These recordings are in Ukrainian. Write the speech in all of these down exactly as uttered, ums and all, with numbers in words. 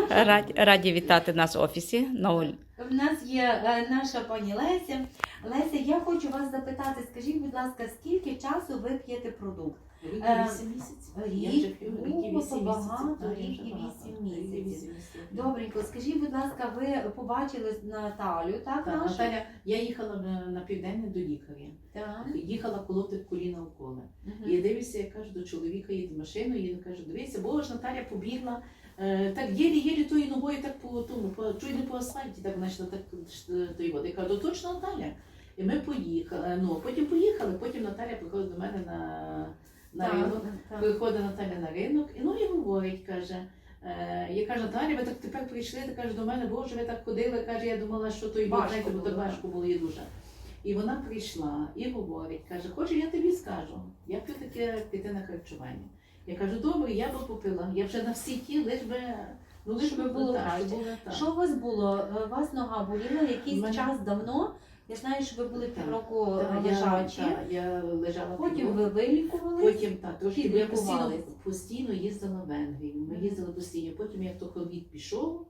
наша Раді, раді вітати нас в офісі. No. в нас є е, наша пані Леся. Леся, я хочу вас запитати, скажіть, будь ласка, скільки часу ви п'єте продукт? Рік Е, і вісім місяців. рік? Я вже п'ю рік і О, вісім то багато, місяців. Так, рік я вже і багато. вісім Рік і місяців. вісім місяців. Добренько, скажіть, будь ласка, ви побачили Наталю, так, Так, нашу? Наталя, я їхала на, на південне до лікаря. Так. Їхала колоти коліна уколи. Мгм. І я дивлюся, я кажу до чоловіка, їде машиною, і він каже, дивися, бо ж Наталя побігла, е, так єлі-єлі тою ногою, так по тому, по, чуть не по асфальті, так знайшла так тої води. Я кажу, то точно Наталя. І ми поїхали, ну, потім поїхали, потім Наталя приходить до мене на, на Так, ринок. так. Приходить Наталя на ринок, і ну і говорить, каже, е, я кажу, Наталя, ви так тепер прийшли, ти каже, до мене, боже, ви так ходили, каже, я думала, що той Важко знаєте, бо було, так важко було їй дуже. І вона прийшла і говорить, каже, хоче, я тобі скажу, я п'ю таке клітинне харчування. Я кажу, добре, я би попила, я вже на всі ті, лиш би, ну лиш Щоб би було так, краще. щоб було так. Що у вас було? Е, У вас нога боліла якийсь Мене- час давно? Я знаю, що ви були Так, півроку Так, я- лежачі, так, я лежала потім півроку. ви вилікувались. Потім так, трошки, бо я постійно, Підлікувались. постійно їздила в Венгрію. Ми Мгм. їздили постійно. Потім як то ковід пішов,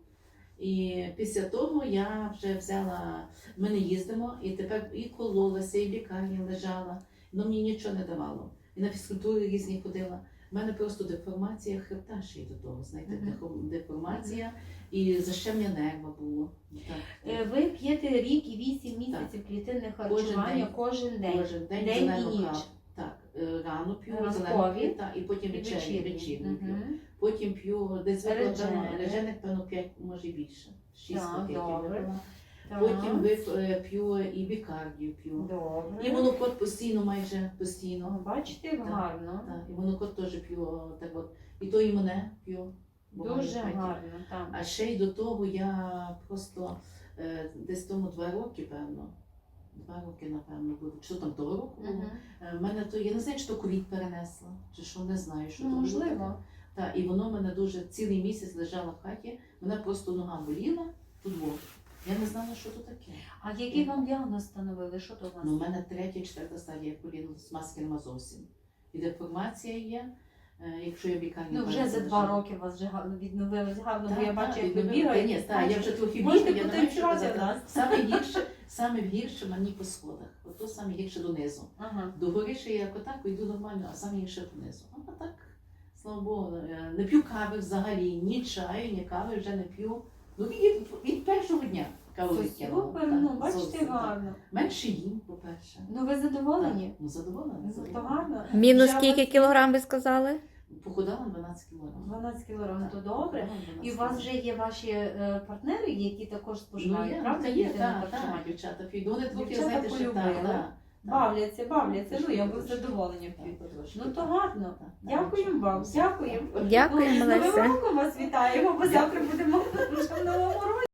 і після того я вже взяла, ми не їздимо, і тепер і кололася, і в лікарні лежала, але мені нічого не давало. І на фізкультури різні ходила. У мене просто деформація хребта ще й до того, знаєте, Мгм. дехо- деформація і защемня нерва було. Так. Е, Ви п'єте рік і вісім місяців клітинне харчування день. кожен день. Кожен день, День зелену і ніч. каву. Так, е, рано п'ю Ранкові. зелену, так, і потім І вечерю, вечірні. вечірню п'ю. Мгм. Потім п'ю десь Реджени. викладено, режених, певно, п'ять, може більше. шість Так, пакетів добре. випила. Так. Потім вип- е, п'ю і бікардію п'ю. Добре. І монокот постійно, майже постійно. О, Бачите, Так, гарно. Так, і монокот теж п'ю, так от. І то і мене п'ю. буває, Дуже знаєте. гарно. Так. А ще й до того я просто е, десь тому два роки, певно. Два роки, напевно, буде. Що там того року було? Мгм. Е, в мене то, я не знаю, чи то ковід перенесла, чи що, не знаю, що Ну, то було можливо. таке. Так, і воно мене дуже цілий місяць лежала в хаті, мене просто нога боліла, тут було. Я не знала, що то таке. А який вам діагноз встановили? Що то у вас? Ну, у мене третя, четверта стадія коліна, маски нема зовсім. І деформація є, е, якщо я в лікарні. Ну, вже перед за цим два лежала. роки у вас вже гарно відновилось гарно, бо Так, я бачу, так, як ви відновила. бігаєте. Ні, так, я вже трохи Можете бігаю, я не маю що потанцювати казати. в нас. Саме гірше, саме гірше мені по сходах. Ото саме гірше донизу. Ага. До гори ще я отак йду нормально, а саме гірше донизу. А так, слава Богу, е, не п'ю кави взагалі, ні чаю, ні кави вже не п'ю. Ну, від, від першого дня каву Це відкинула. супер, Так, ну бачите, зовсім так. гарно. Менше їм, по-перше. Ну ви задоволені? Так, ну, задоволена. Ну то задоволена. гарно. Мінус Вже скільки вас- кілограм ви сказали? Похудала дванадцять кілограмів. дванадцять кілограмів, то Так, добре. похудала дванадцять І у вас вже кілограмів. є ваші е, партнери, які також Ну, споживають, є, правда? та є, клітинне так, харчування? так, дівчата п'ють. Вони трохи, Дівчата знаєте, що полюбили. так, так. Бавляться, бавляться, ну я би Трошки, задоволення так, п'ють. потрошки, Ну то так. гарно. Так, так, Дякуємо вам, так. дякуємо. Дякуємо, Ну, і з Новим Леся. роком вас вітаємо, бо завтра будемо вже в новому році.